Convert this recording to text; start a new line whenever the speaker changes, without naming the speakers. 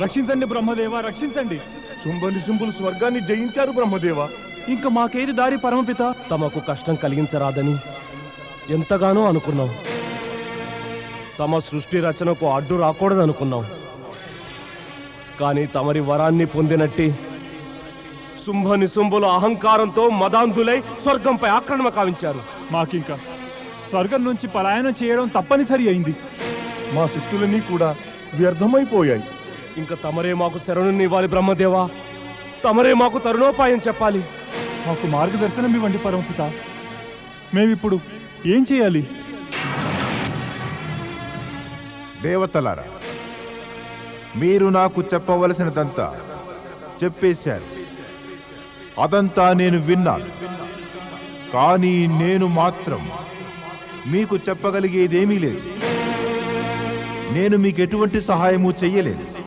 రక్షించండి బ్రహ్మదేవ, రక్షించండి.
శుంభనిశుంభులు స్వర్గాన్ని జయించారు బ్రహ్మదేవ.
ఇంకా మాకేది దారి పరమపిత?
తమకు కష్టం కలిగించరాదని ఎంతగానో అనుకున్నాం. తమ సృష్టి రచనకు అడ్డు రాకూడదనుకున్నాం. కానీ తమరి వరాన్ని పొందినట్టి శుంభనిశుంభుల అహంకారంతో మదాంధులై స్వర్గంపై ఆక్రమణ కావించారు.
మాకింకా స్వర్గం నుంచి పలాయనం చేయడం తప్పనిసరి అయింది.
మా శక్తులన్నీ కూడా వ్యర్థమైపోయాయి.
ఇంకా తమరే మాకు శరణునివ్వాలి బ్రహ్మదేవా. తమరే మాకు తరుణోపాయం చెప్పాలి.
మాకు మార్గదర్శనం ఇవ్వండి పరమపిత. మేమిప్పుడు ఏం చేయాలి?
దేవతలారా, మీరు నాకు చెప్పవలసినదంతా చెప్పేశారు. అదంతా నేను విన్నాను. కానీ నేను మాత్రం మీకు చెప్పగలిగేదేమీ లేదు. నేను మీకు ఎటువంటి సహాయము చెయ్యలేదు.